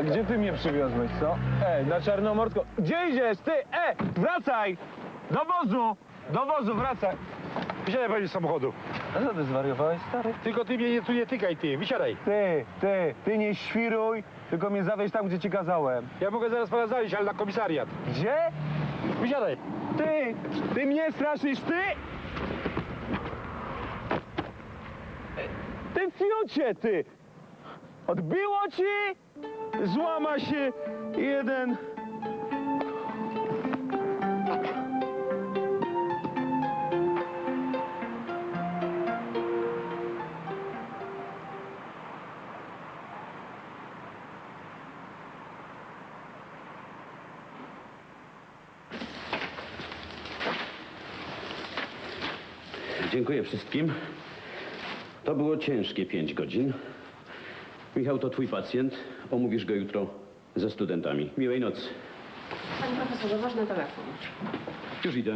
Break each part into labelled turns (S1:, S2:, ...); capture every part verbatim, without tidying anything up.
S1: A gdzie ty mnie przywiozłeś, co? Ej, na Czarnomorsko. Gdzie idziesz, ty? E, wracaj! Do wozu! Do wozu, wracaj!
S2: Wysiadaj pani z samochodu.
S1: A co ty zwariowałeś, stary?
S2: Tylko ty mnie nie, tu nie tykaj, ty. Wysiadaj.
S1: Ty, ty, ty nie świruj, tylko mnie zawieź tam, gdzie ci kazałem.
S2: Ja mogę zaraz pana zawieźć, ale na komisariat.
S1: Gdzie?
S2: Wysiadaj.
S1: Ty! Ty mnie straszysz, ty! Ty fiocie, ty! Odbiło ci? Złama się jeden...
S3: Dziękuję wszystkim. To było ciężkie pięć godzin. Michał to twój pacjent. Omówisz go jutro ze studentami. Miłej nocy.
S4: Panie profesorze, ważny telefon.
S3: Już idę.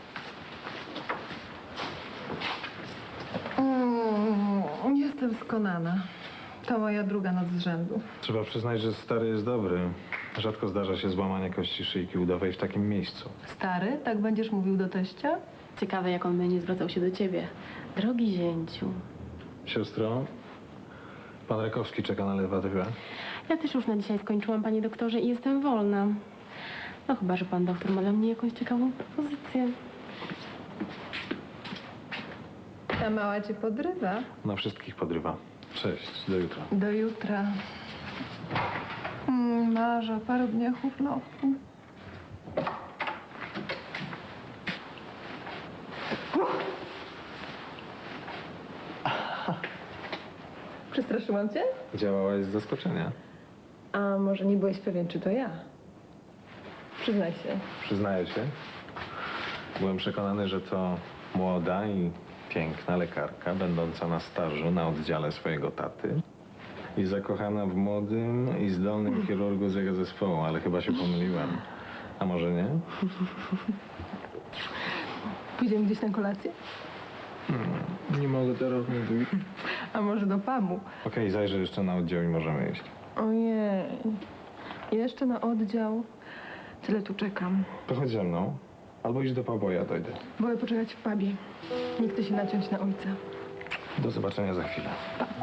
S5: Mm, jestem skonana. To moja druga noc z rzędu.
S6: Trzeba przyznać, że stary jest dobry. Rzadko zdarza się złamanie kości szyjki udowej w takim miejscu.
S5: Stary, tak będziesz mówił do teścia?
S4: Ciekawe, jak on będzie zwracał się do ciebie. Drogi zięciu.
S6: Siostro, pan Rakowski czeka na lewatywę.
S4: Ja też już na dzisiaj skończyłam, panie doktorze, i jestem wolna. No chyba, że pan doktor ma dla mnie jakąś ciekawą propozycję.
S5: Ta mała cię podrywa.
S6: Na wszystkich podrywa. Cześć, do jutra.
S5: Do jutra. Mm, marzę o paru dniach urlopu. Przestraszyłam cię?
S6: Działałaś z zaskoczenia.
S5: A może nie byłeś pewien, czy to ja? Przyznaj się.
S6: Przyznaję się. Byłem przekonany, że to młoda i piękna lekarka, będąca na stażu na oddziale swojego taty i zakochana w młodym i zdolnym chirurgu z jego zespołu, ale chyba się pomyliłem. A może nie?
S5: Pójdziemy gdzieś na kolację?
S6: Nie mogę teraz mówić.
S5: A może do pubu?
S6: Okej, zajrzę jeszcze na oddział i możemy iść.
S5: Ojej. Jeszcze na oddział. Tyle tu czekam.
S6: To chodź ze mną. Albo idź do pubu, ja dojdę.
S5: Wolę poczekać w pubie. Nie chcę się naciąć na ojca.
S6: Do zobaczenia za chwilę.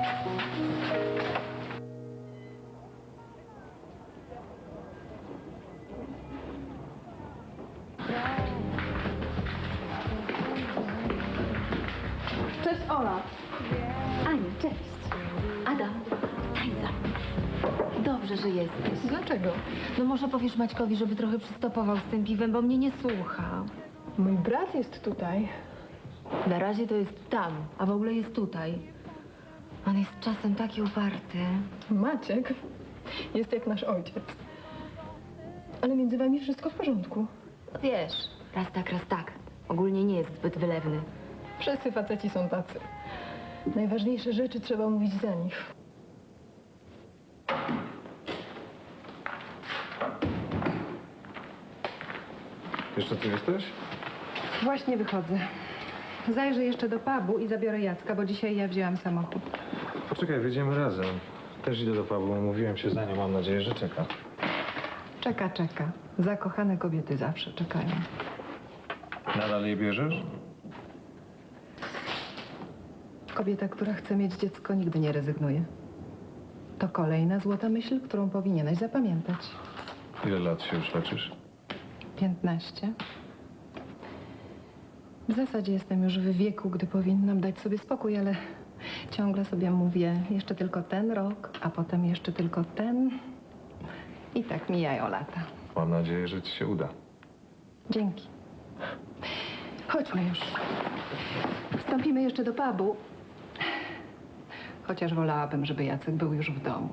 S5: Cześć, Ola.
S7: Aniu, cześć. Adam, stań za mną. Dobrze, że jesteś.
S5: Dlaczego?
S7: No może powiesz Maćkowi, żeby trochę przystopował z tym piwem, bo mnie nie słucha.
S5: Mój brat jest tutaj.
S7: Na razie to jest tam, a w ogóle jest tutaj. On jest czasem taki uparty.
S5: Maciek jest jak nasz ojciec. Ale między wami wszystko w porządku.
S7: No wiesz, raz tak, raz tak. Ogólnie nie jest zbyt wylewny.
S5: Wszyscy faceci są tacy. Najważniejsze rzeczy trzeba mówić za nich.
S6: Jeszcze tu jesteś?
S8: Właśnie wychodzę. Zajrzę jeszcze do pubu i zabiorę Jacka, bo dzisiaj ja wzięłam samochód.
S6: Poczekaj, wyjdziemy razem. Też idę do pubu, umówiłem się za nią, mam nadzieję, że czeka.
S8: Czeka, czeka. Zakochane kobiety zawsze czekają.
S6: Nadal jej bierzesz?
S8: Kobieta, która chce mieć dziecko, nigdy nie rezygnuje. To kolejna złota myśl, którą powinieneś zapamiętać.
S6: Ile lat się już leczysz?
S8: Piętnaście. W zasadzie jestem już w wieku, gdy powinnam dać sobie spokój, ale ciągle sobie mówię, jeszcze tylko ten rok, a potem jeszcze tylko ten. I tak mijają lata.
S6: Mam nadzieję, że ci się uda.
S8: Dzięki. Chodźmy już. Wstąpimy jeszcze do pubu. Chociaż wolałabym, żeby Jacek był już w domu.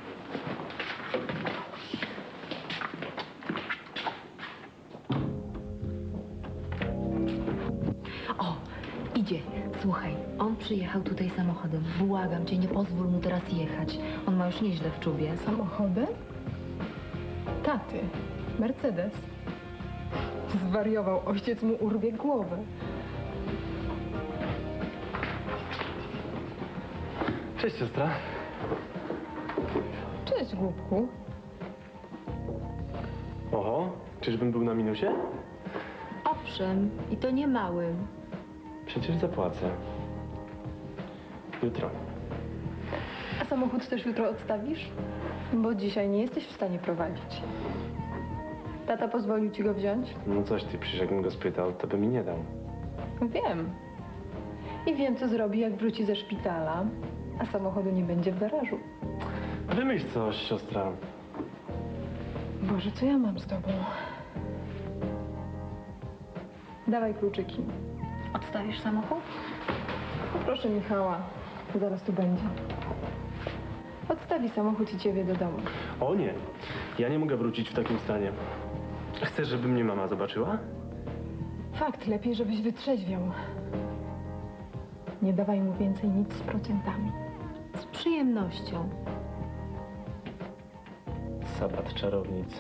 S7: O, idzie. Słuchaj, on przyjechał tutaj samochodem. Błagam cię, nie pozwól mu teraz jechać. On ma już nieźle w czubie.
S5: Samochodem? Taty. Mercedes. Zwariował. Ojciec mu urwie głowę.
S2: Cześć, siostra.
S5: Cześć, głupku.
S9: Oho, czyżbym był na minusie?
S7: Owszem, i to nie małym.
S9: Przecież zapłacę. Jutro.
S5: A samochód też jutro odstawisz? Bo dzisiaj nie jesteś w stanie prowadzić. Tata pozwolił ci go wziąć?
S9: No coś ty, przecież jakbym go spytał, to by mi nie dał.
S5: Wiem. I wiem, co zrobi, jak wróci ze szpitala, a samochodu nie będzie w garażu.
S9: Wymyśl coś, siostra.
S5: Boże, co ja mam z tobą? Dawaj kluczyki.
S7: Odstawisz samochód?
S5: Proszę Michała, zaraz tu będzie. Odstawi samochód i ciebie do domu.
S9: O nie, ja nie mogę wrócić w takim stanie. Chcesz, żeby mnie mama zobaczyła?
S5: Fakt, lepiej, żebyś wytrzeźwiał. Nie dawaj mu więcej nic z procentami.
S7: Z przyjemnością.
S9: Sabat czarownic.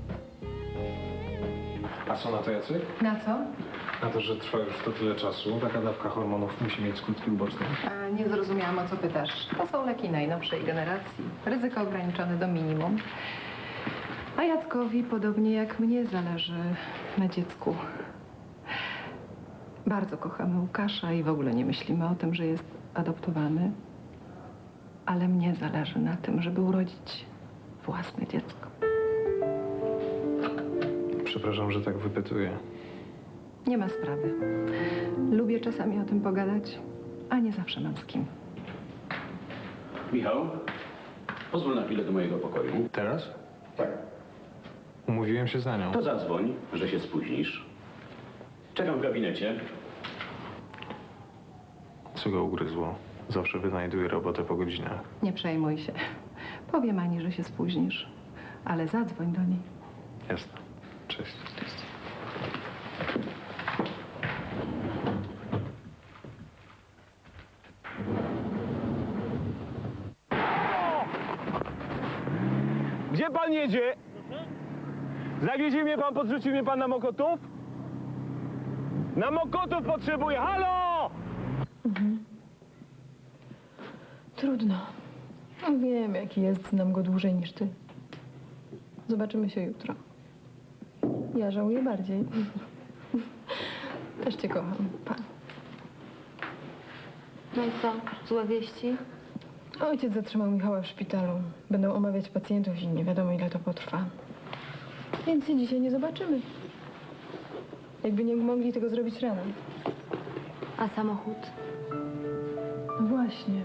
S6: A co na to, Jacek?
S8: Na co?
S6: Na to, że trwa już to tyle czasu. Taka dawka hormonów musi mieć skutki uboczne.
S8: A nie zrozumiałam, o co pytasz. To są leki najnowszej generacji. Ryzyko ograniczone do minimum. A Jackowi, podobnie jak mnie, zależy na dziecku. Bardzo kochamy Łukasza i w ogóle nie myślimy o tym, że jest adoptowany. Ale mnie zależy na tym, żeby urodzić własne dziecko.
S6: Przepraszam, że tak wypytuję.
S8: Nie ma sprawy. Lubię czasami o tym pogadać, a nie zawsze mam z kim.
S3: Michał, pozwól na chwilę do mojego pokoju.
S6: Teraz?
S3: Tak.
S6: Umówiłem się za nią.
S3: To zadzwoń, że się spóźnisz. Czekam w gabinecie.
S6: Co go ugryzło? Zawsze wynajduje robotę po godzinach.
S8: Nie przejmuj się. Powiem Ani, że się spóźnisz, ale zadzwoń do niej.
S6: Jasne. Cześć.
S1: Gdzie pan jedzie? Zawiezie mnie pan, podrzuci mnie pan na Mokotów? Na Mokotów potrzebuję, halo!
S5: Trudno. No, wiem, jaki jest, znam go dłużej niż ty. Zobaczymy się jutro. Ja żałuję bardziej. Też cię kocham. Pa.
S7: No i co? Złe wieści?
S5: Ojciec zatrzymał Michała w szpitalu. Będą omawiać pacjentów i nie wiadomo, ile to potrwa. Więc się dzisiaj nie zobaczymy. Jakby nie mogli tego zrobić rano.
S7: A samochód?
S5: No właśnie.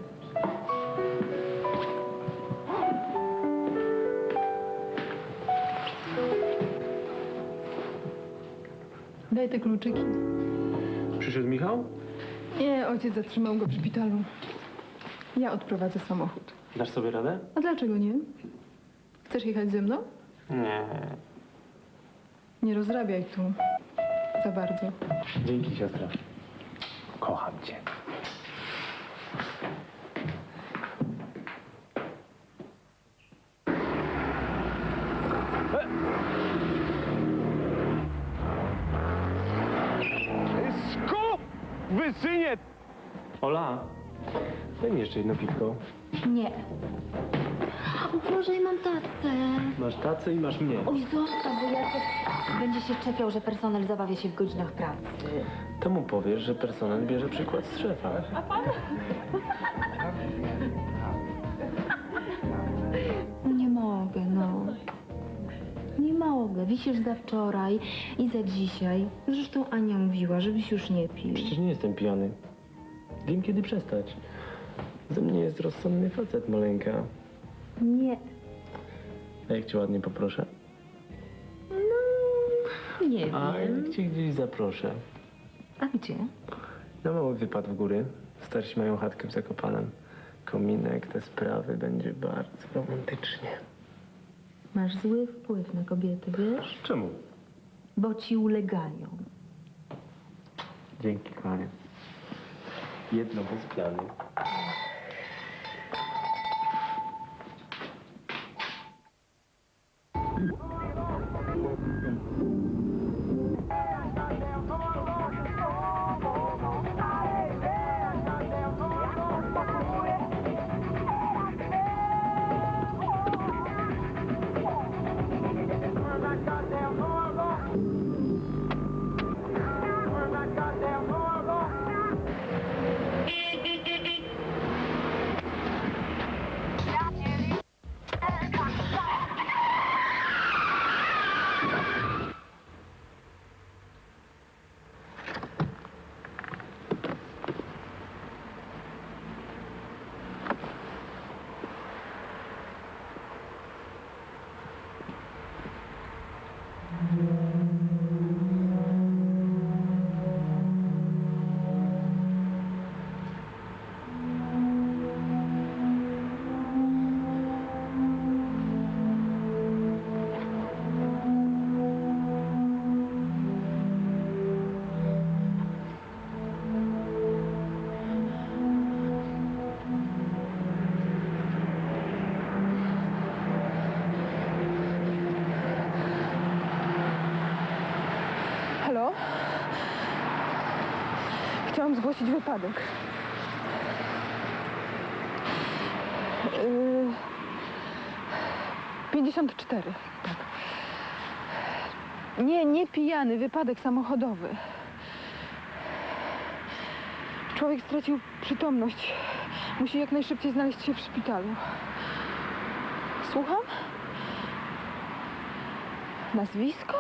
S5: Daj te kluczyki.
S9: Przyszedł Michał?
S5: Nie, ojciec zatrzymał go w szpitalu. Ja odprowadzę samochód.
S9: Dasz sobie radę?
S5: A dlaczego nie? Chcesz jechać ze mną?
S9: Nie.
S5: Nie rozrabiaj tu. Za bardzo.
S9: Dzięki, siostra. Kocham cię.
S1: Skup! Wysynie!
S9: Ola, daj mi jeszcze jedno piwko.
S7: Nie. O Boże, ja mam tacę.
S9: Masz tacę i masz mnie.
S7: Oj, zostaw, bo Jacek będzie się czepiał, że personel zabawia się w godzinach pracy.
S9: To mu powiesz, że personel bierze przykład z szefa.
S7: Nie mogę, no. Nie mogę. Wisisz za wczoraj i za dzisiaj. Zresztą Ania mówiła, żebyś już nie pił.
S9: Przecież nie jestem pijany. Wiem, kiedy przestać. Ze mnie jest rozsądny facet, maleńka.
S7: Nie.
S9: A jak cię ładnie poproszę?
S7: Nie
S9: A
S7: wiem.
S9: jak cię gdzieś zaproszę?
S7: A gdzie?
S9: Na mały wypad w góry. Starsi mają chatkę w Zakopanem. Kominek, te sprawy, będzie bardzo romantycznie.
S7: Masz zły wpływ na kobiety, wiesz?
S9: Czemu?
S7: Bo ci ulegają.
S9: Dzięki, kochanie. Jedno bez planu.
S5: zgłosić wypadek. Yy, pięćdziesiąt cztery, tak. Nie, nie pijany, wypadek samochodowy. Człowiek stracił przytomność. Musi jak najszybciej znaleźć się w szpitalu. Słucham? Nazwisko?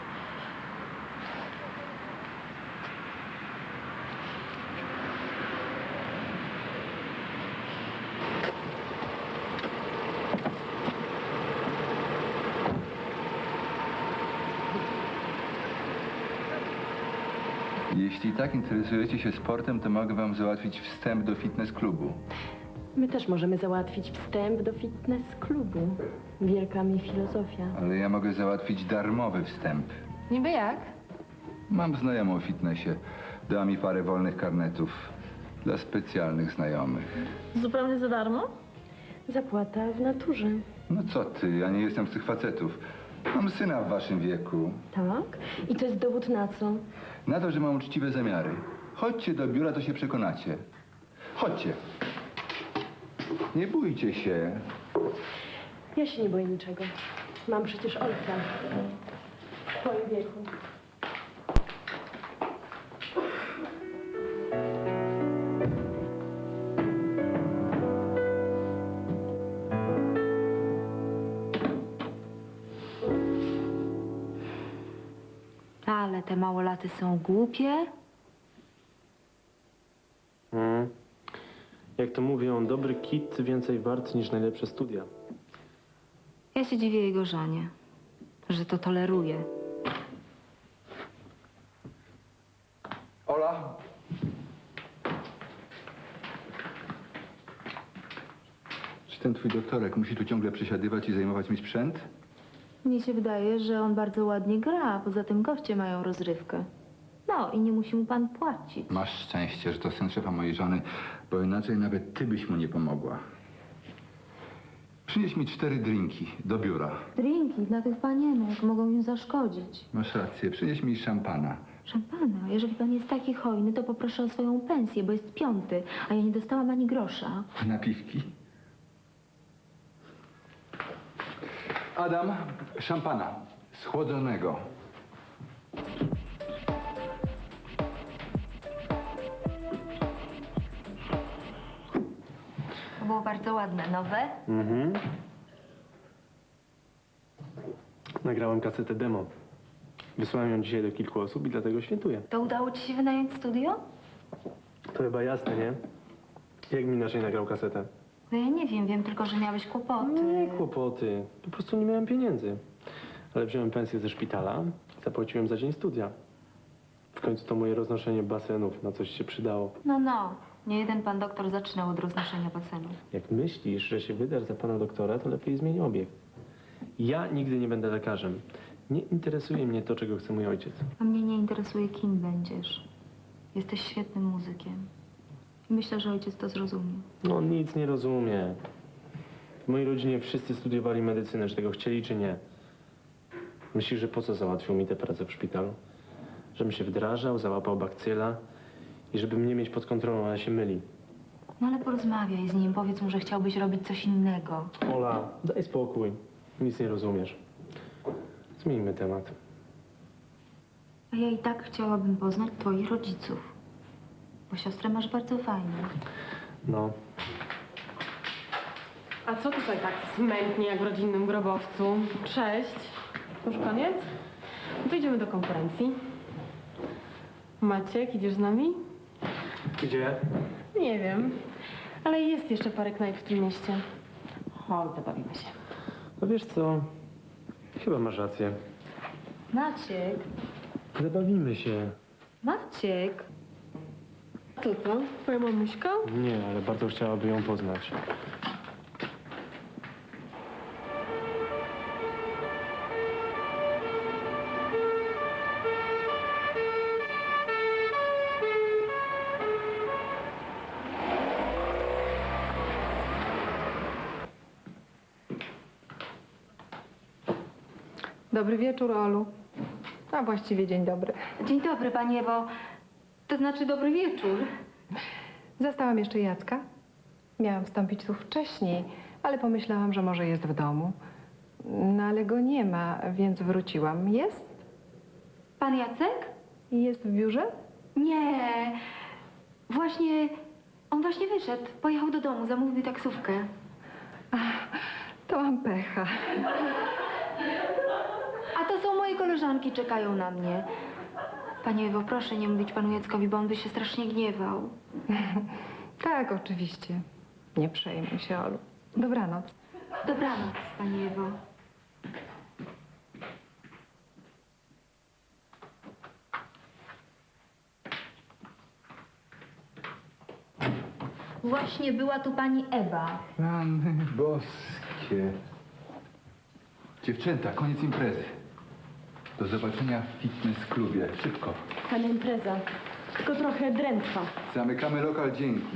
S10: Jeśli tak interesujecie się sportem, to mogę wam załatwić wstęp do fitness klubu.
S4: My też możemy załatwić wstęp do fitness klubu. Wielka mi filozofia.
S10: Ale ja mogę załatwić darmowy wstęp.
S8: Niby jak?
S10: Mam znajomą w fitnessie. Dała mi parę wolnych karnetów dla specjalnych znajomych.
S4: Zupełnie za darmo? Zapłata w naturze.
S10: No co ty, ja nie jestem z tych facetów. Mam syna w waszym wieku.
S4: Tak? I to jest dowód na co?
S10: Na to, że mam uczciwe zamiary. Chodźcie do biura, to się przekonacie. Chodźcie. Nie bójcie się.
S4: Ja się nie boję niczego. Mam przecież ojca. W twoim wieku.
S7: Ale te małolaty są głupie.
S9: Mm. Jak to mówią, dobry kit więcej wart niż najlepsze studia.
S7: Ja się dziwię jego żonie, że to toleruje.
S10: Ola. Czy ten twój doktorek musi tu ciągle przesiadywać i zajmować mi sprzęt?
S7: Mnie się wydaje, że on bardzo ładnie gra, a poza tym goście mają rozrywkę. No i nie musi mu pan płacić.
S10: Masz szczęście, że to syn szefa mojej żony, bo inaczej nawet ty byś mu nie pomogła. Przynieś mi cztery drinki do biura.
S7: Drinki dla tych panienek mogą im zaszkodzić.
S10: Masz rację, przynieś mi szampana.
S7: Szampana, jeżeli pan jest taki hojny, to poproszę o swoją pensję, bo jest piąty, a ja nie dostałam ani grosza.
S10: Napiwki. Adam, szampana. Schłodzonego.
S7: To było bardzo ładne, nowe.
S9: Mhm. Nagrałem kasetę demo. Wysłałem ją dzisiaj do kilku osób i dlatego świętuję.
S7: To udało ci się wynająć studio?
S9: To chyba jasne, nie? Jak mi inaczej nagrał kasetę?
S7: No ja nie wiem, wiem tylko, że miałeś kłopoty.
S9: Nie kłopoty. Po prostu nie miałem pieniędzy. Ale wziąłem pensję ze szpitala, zapłaciłem za dzień studia. W końcu to moje roznoszenie basenów na coś się przydało.
S7: No, no. Nie jeden pan doktor zaczynał od roznoszenia basenu.
S9: Jak myślisz, że się wydasz za pana doktora, to lepiej zmień obieg. Ja nigdy nie będę lekarzem. Nie interesuje mnie to, czego chce mój ojciec.
S7: A mnie nie interesuje, kim będziesz. Jesteś świetnym muzykiem. Myślę, że ojciec to zrozumie.
S9: No, on nic nie rozumie. W mojej rodzinie wszyscy studiowali medycynę, czy tego chcieli, czy nie. Myślisz, że po co załatwił mi tę pracę w szpitalu? Żebym się wdrażał, załapał bakcyla i żeby mnie mieć pod kontrolą, ale się myli.
S7: No ale porozmawiaj z nim, powiedz mu, że chciałbyś robić coś innego.
S9: Ola, daj spokój. Nic nie rozumiesz. Zmieńmy temat.
S7: A ja i tak chciałabym poznać twoich rodziców. Bo siostrę masz bardzo fajną.
S9: No,
S4: A co tutaj tak smętnie jak w rodzinnym grobowcu? Cześć. Już koniec? No to idziemy do konferencji. Maciek, idziesz z nami?
S9: gdzie?
S4: Nie wiem. Ale jest jeszcze parę knajp w tym mieście. Chodź, zabawimy się.
S9: No wiesz co? Chyba masz rację.
S7: Maciek,
S9: Zabawimy się.
S7: Maciek.
S4: Co to? Twoja mamuśka?
S9: Nie, ale bardzo chciałaby ją poznać.
S8: Dobry wieczór, Olu. A właściwie dzień dobry.
S7: Dzień dobry, panie, bo To znaczy dobry wieczór.
S8: Zastałam jeszcze Jacka. Miałam wstąpić tu wcześniej, ale pomyślałam, że może jest w domu. No ale go nie ma, więc wróciłam. Jest?
S7: Pan Jacek?
S8: Jest w biurze?
S7: Nie. Właśnie, on właśnie wyszedł. Pojechał do domu, zamówił taksówkę.
S8: To mam pecha.
S7: A to są moje koleżanki, czekają na mnie. Panie Ewo, proszę nie mówić panu Jackowi, bo on by się strasznie gniewał.
S8: Tak, oczywiście. Nie przejmuj się, Olu. Dobranoc.
S7: Dobranoc, pani Ewo. Właśnie była tu pani Ewa.
S10: Rany boskie. Dziewczęta, koniec imprezy. Do zobaczenia w fitness klubie. Szybko.
S4: Fajna impreza, tylko trochę drętwa.
S10: Zamykamy lokal, dzięki.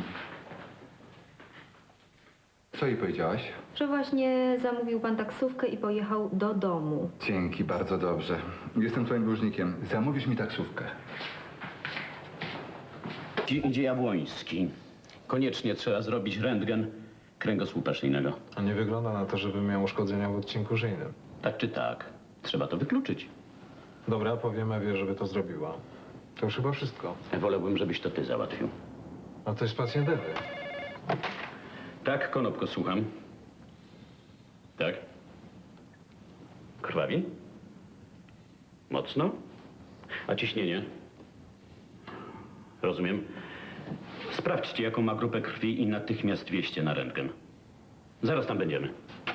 S10: Co jej powiedziałaś?
S7: Że właśnie zamówił pan taksówkę i pojechał do domu.
S10: Dzięki, bardzo dobrze. Jestem twoim dłużnikiem. Zamówisz mi taksówkę.
S3: Ci idzie Jabłoński. Koniecznie trzeba zrobić rentgen kręgosłupa szyjnego.
S6: A nie wygląda na to, żeby miał uszkodzenia w odcinku szyjnym.
S3: Tak czy tak, trzeba to wykluczyć.
S6: Dobra, powiem Ewie, żeby to zrobiła. To już chyba wszystko.
S3: Wolałbym, żebyś to ty załatwił.
S6: A to jest pacjent Ewy.
S3: Tak, Konopko, słucham. Tak? Krwawi? Mocno? A ciśnienie? Rozumiem. Sprawdźcie, jaką ma grupę krwi i natychmiast wieźcie na rentgen. Zaraz tam będziemy.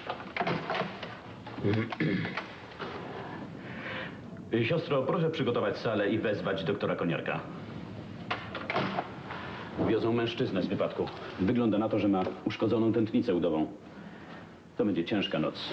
S3: Siostro, proszę przygotować salę i wezwać doktora Koniarka. Wiozą mężczyznę z wypadku. Wygląda na to, że ma uszkodzoną tętnicę udową. To będzie ciężka noc.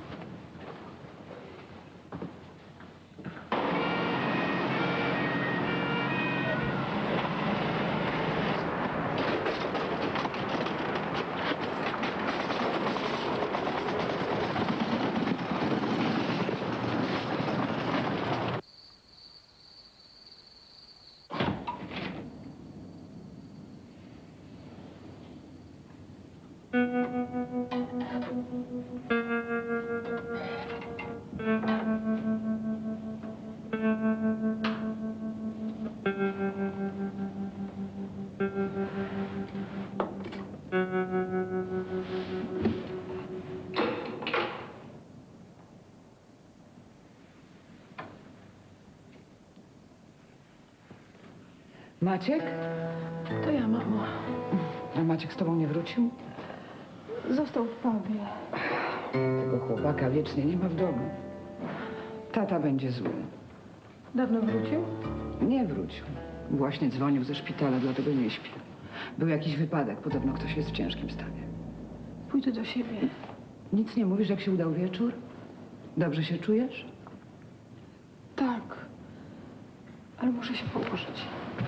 S11: Maciek?
S5: To ja, mamo.
S11: A Maciek z tobą nie wrócił?
S5: Został w pubie.
S11: Tego chłopaka wiecznie nie ma w domu. Tata będzie zły.
S5: Dawno wrócił?
S11: Nie wrócił. Właśnie dzwonił ze szpitala, dlatego nie śpi. Był jakiś wypadek, podobno ktoś jest w ciężkim stanie.
S5: Pójdę do siebie.
S11: Nic nie mówisz, jak się udał wieczór? Dobrze się czujesz?
S5: Tak. Ale muszę się położyć.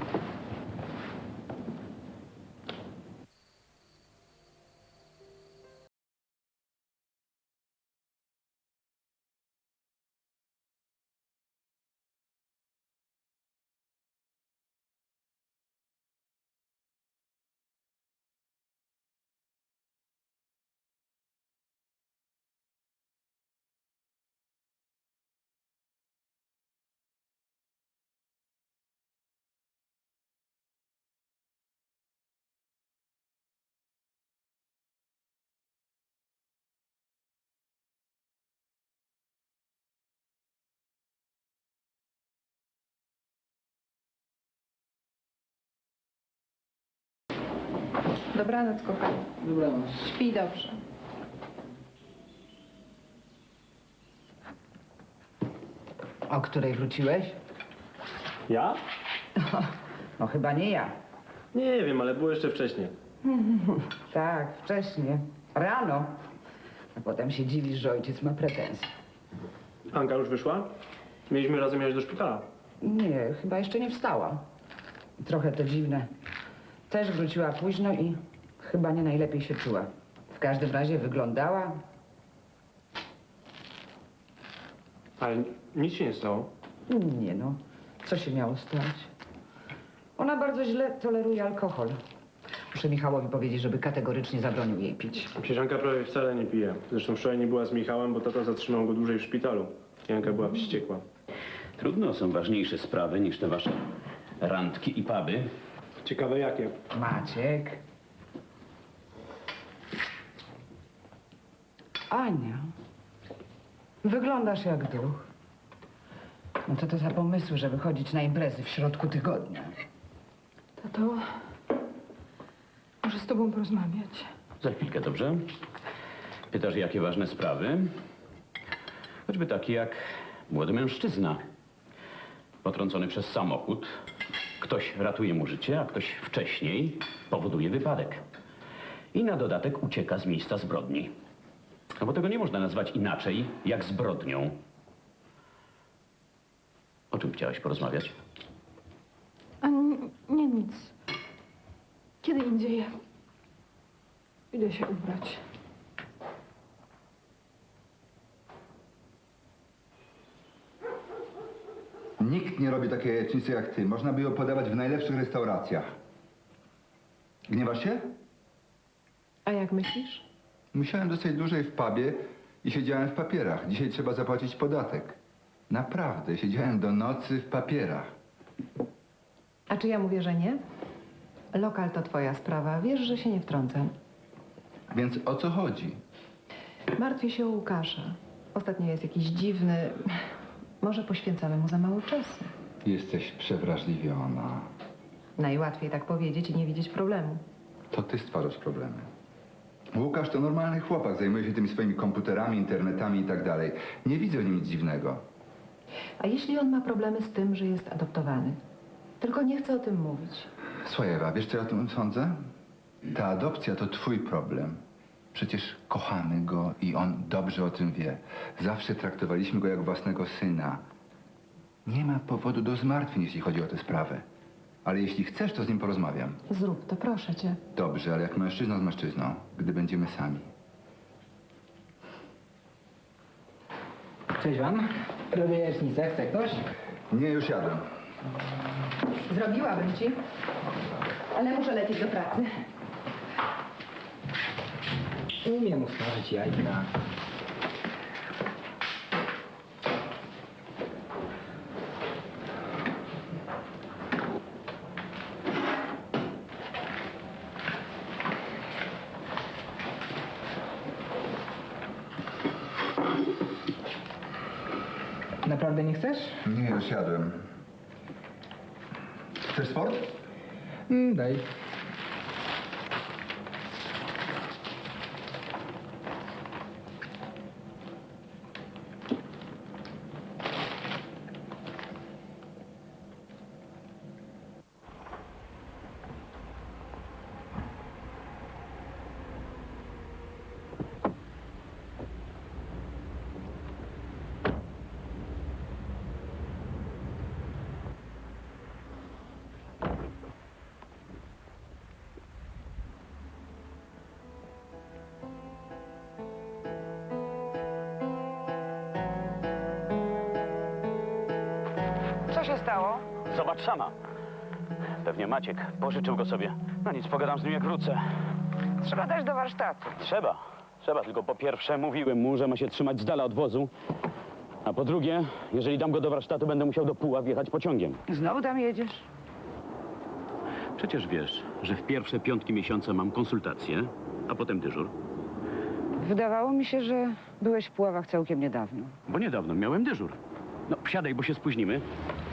S8: Dobranoc, kochanie.
S10: Dobranoc.
S8: Śpij dobrze.
S11: O której wróciłeś?
S9: Ja?
S11: No chyba nie ja.
S9: Nie wiem, ale było jeszcze wcześniej.
S11: Tak, wcześniej. Rano. A potem się dziwisz, że ojciec ma pretensje.
S9: Anka już wyszła? Mieliśmy razem jechać do szpitala.
S11: Nie, chyba jeszcze nie wstała. Trochę to dziwne. Też wróciła późno i chyba nie najlepiej się czuła. W każdym razie wyglądała.
S9: Ale nic się nie stało.
S11: Nie no, co się miało stać? Ona bardzo źle toleruje alkohol. Muszę Michałowi powiedzieć, żeby kategorycznie zabronił jej pić.
S9: Przecież Janka prawie wcale nie pije. Zresztą wczoraj nie była z Michałem, bo tata zatrzymał go dłużej w szpitalu. Janka była wściekła.
S3: Trudno, są ważniejsze sprawy niż te wasze randki i puby.
S9: Ciekawe jakie.
S11: Maciek. Ania. Wyglądasz jak duch. No co to za pomysły, żeby chodzić na imprezy w środku tygodnia?
S5: Tato, muszę z tobą porozmawiać.
S3: Za chwilkę, dobrze? Pytasz, jakie ważne sprawy? Choćby takie jak młody mężczyzna. Potrącony przez samochód. Ktoś ratuje mu życie, a ktoś wcześniej powoduje wypadek. I na dodatek ucieka z miejsca zbrodni. No bo tego nie można nazwać inaczej jak zbrodnią. O czym chciałaś porozmawiać?
S5: A nie, nie nic. Kiedy indziej. Idę się ubrać.
S10: Nikt nie robi takiej jajecznicy jak ty. Można by ją podawać w najlepszych restauracjach. Gniewasz się?
S5: A jak myślisz?
S10: Musiałem dostać dłużej w pubie i siedziałem w papierach. Dzisiaj trzeba zapłacić podatek. Naprawdę, siedziałem do nocy w papierach.
S8: A czy ja mówię, że nie? Lokal to twoja sprawa. Wiesz, że się nie wtrącam.
S10: Więc o co chodzi?
S8: Martwię się o Łukasza. Ostatnio jest jakiś dziwny. Może poświęcamy mu za mało czasu.
S10: Jesteś przewrażliwiona.
S8: Najłatwiej tak powiedzieć i nie widzieć problemu.
S10: To ty stwarzasz problemy. Łukasz to normalny chłopak, zajmuje się tymi swoimi komputerami, internetami i tak dalej. Nie widzę w nim nic dziwnego.
S8: A jeśli on ma problemy z tym, że jest adoptowany? Tylko nie chce o tym mówić.
S10: Słuchaj, Ewa, wiesz co ja o tym sądzę? Ta adopcja to twój problem. Przecież kochamy go i on dobrze o tym wie. Zawsze traktowaliśmy go jak własnego syna. Nie ma powodu do zmartwień, jeśli chodzi o tę sprawę. Ale jeśli chcesz, to z nim porozmawiam.
S8: Zrób to, proszę cię.
S10: Dobrze, ale jak mężczyzna z mężczyzną, gdy będziemy sami.
S11: Cześć wam. Robię jajecznicę. Chce ktoś?
S10: Nie, już jadłem.
S8: Zrobiłabym ci, ale muszę lecieć do pracy.
S11: Umiem usmażyć jajka. Naprawdę nie chcesz?
S10: Nie, już jadłem. Chcesz sport?
S11: Mm, daj. Co się stało?
S3: Zobacz sama. Pewnie Maciek pożyczył go sobie. No nic, pogadam z nim jak wrócę.
S11: Trzeba dać do warsztatu.
S3: Trzeba. Trzeba, tylko po pierwsze mówiłem mu, że ma się trzymać z dala od wozu. A po drugie, jeżeli dam go do warsztatu, będę musiał do Puław jechać pociągiem.
S11: Znowu tam jedziesz?
S3: Przecież wiesz, że w pierwsze piątki miesiąca mam konsultację, a potem dyżur.
S11: Wydawało mi się, że byłeś w Puławach całkiem niedawno.
S3: Bo niedawno miałem dyżur. No, wsiadaj, bo się spóźnimy.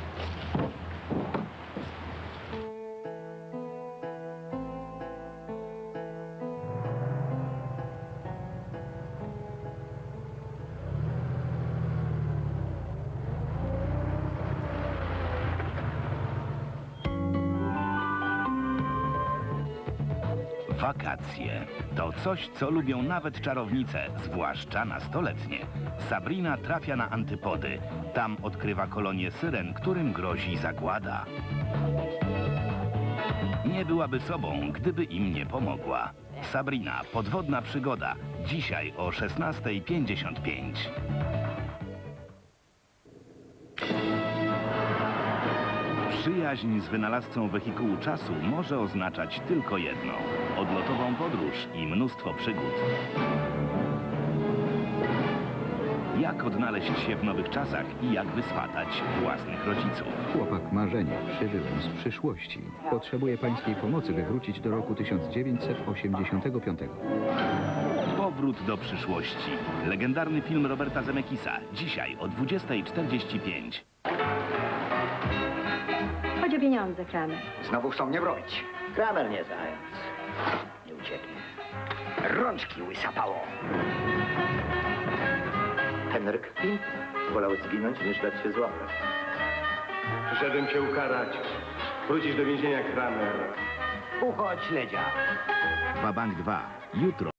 S12: Wakacje to coś, co lubią nawet czarownice, zwłaszcza nastoletnie. Sabrina trafia na antypody. Tam odkrywa kolonię syren, którym grozi zagłada. Nie byłaby sobą, gdyby im nie pomogła. Sabrina, podwodna przygoda. Dzisiaj o szesnasta pięćdziesiąt pięć. Przyjaźń z wynalazcą wehikułu czasu może oznaczać tylko jedno: odlotową podróż i mnóstwo przygód. Jak odnaleźć się w nowych czasach i jak wyswatać własnych rodziców?
S13: Chłopak marzenie, przybywam z przyszłości. Potrzebuję pańskiej pomocy, by wrócić do roku tysiąc dziewięćset osiemdziesiątego piątego.
S12: Powrót do przyszłości. Legendarny film Roberta Zemeckisa. Dzisiaj o dwudziestej czterdzieści pięć.
S14: Chodź o pieniądze, Kramer.
S15: Znowu chcą mnie wrobić. Kramer nie zając. Nie ucieknie. Rączki łysapało. Henryk Pint wolał zginąć, niż dać się złapać.
S1: Przyszedłem cię ukarać. Wrócisz do więzienia, Kramer.
S15: Uchodź, śledzia.
S12: Wabank dwa. Jutro.